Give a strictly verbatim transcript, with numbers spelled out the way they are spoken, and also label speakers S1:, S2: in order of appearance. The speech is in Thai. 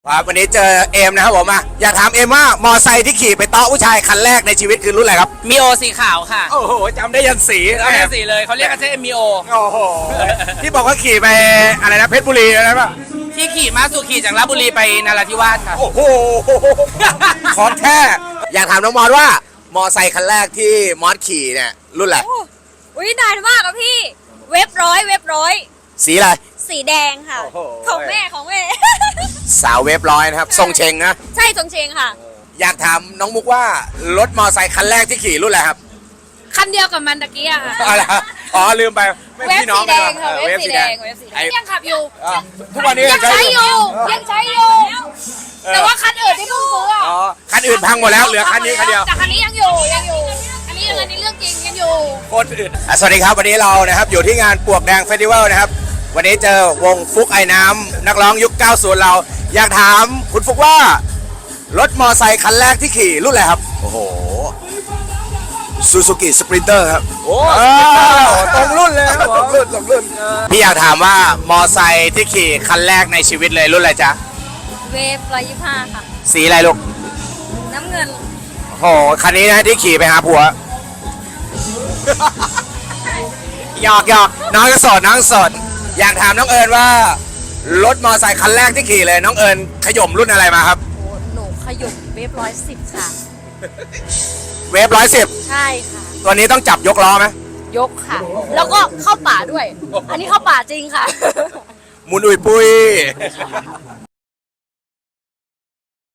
S1: ครับวันนี้เจอเอมนะครับผมอ่ะอยากถามเอมว่ามอไซค์ที่ขี่ไปเตาะผู้ชายคันแรกในชีวิตคือรุ่นอะไรครับ
S2: มีโอสีขาวค่ะ
S1: โอ้โหจำได้ยันสี
S2: เอาแค่สีเลยเขาเรียกกันแค่มีโอ
S1: โอ้โหที่บอกว่าขี่ไปอะไรนะเพชรบุรีอะไรป่ะ
S2: ที่ขี่มาสุขี่จากลาดบุรีไปนราธิวาสค่ะ
S1: โอ้โหของแท้อยากถามน้องมอสว่ามอไซค์คันแรกที่มอสขี่เนี่ยรุ่นอะไร
S3: อุ้ยนานมากอะพี่ เว็บร้อยเว็บร้อย
S1: สีอะไร
S3: สีแดงค่ะ
S1: โอ้โห
S3: ของแม่ของแม่
S1: สาวเวฟร้อยนะครับทรงเชงนะ
S3: ใช่จงเชงค่ะ
S1: อยากถามน้องมุกว่ารถมอไซค์คันแรกที่ขี่รุ่นอะไรครับ
S3: คันเดียวกับมันตะกี้อะค่ะ
S1: อะไรครับอ๋อลืมไปไม่
S3: เว็บ
S1: พี่น้อง
S3: สีแดงค่ะ
S1: ออ
S3: เว็บสีแดงเว็บสีแด
S1: ไอ้
S3: งยังขับอยู่
S1: อ่ะทุกวันนี้
S3: ยังใช้อยู่
S1: เออ
S3: ยังใช้อยู่ แต่ว่าคันอื่นที่เพิ่งซื้ออะ
S1: อ๋อคันอื่นพังหมดแล้วเหลือคันนี้คันเดียว
S3: แต่คันนี้ยังอยู่ยังอยู่ อันนี้ยังอันนี้เรื่องจริงยังอยู่
S1: โคตรอื่นอ่ะสวัสดีครับวันนี้เรานะครับอยู่ที่งานปลวกแดงเฟสติวัลนะครับวันนี้เจอวงฟุกไอ้น้ำนักร้องยุคเก้าสิบเรา อยากถามคุณฟุกว่ารถมอไซค์คันแรกที่ขี่รุ่นอะไรครับโอ้โหซูซูกิสปรินเตอร์ครับโอ้ตรงรุ่นเลยครับตรงรุ่นตรงรุ่นพี่อยากถามว่ามอไซค์ที่ขี่คันแรกในชีวิตเลยรุ่นอะไรจ๊ะ
S3: เวฟร้อยยี่ห้าค่ะ
S1: สีอะไรลูก
S3: น้ำเงิน
S1: โอ้โหคันนี้นะที่ขี่ไปหาผัว หยอกหยอกน้องก็โสดน้องโสดอยากถามน้องเอิญว่ารถมอไซค์คันแรกที่ขี่เลยน้องเอิญขย่มรุ่นอะไรมาครับ
S3: หนูขยุบเวฟร้อยสิบค่ะ
S1: เวฟร้อยสิบ
S3: ใช่ค่ะ
S1: ตัวนี้ต้องจับยกล้อไหม
S3: ยกค่ะ แล้วก็เข้าป่าด้วย อันนี้เข้าป่าจริงค่ะ
S1: หมุนอุยปุย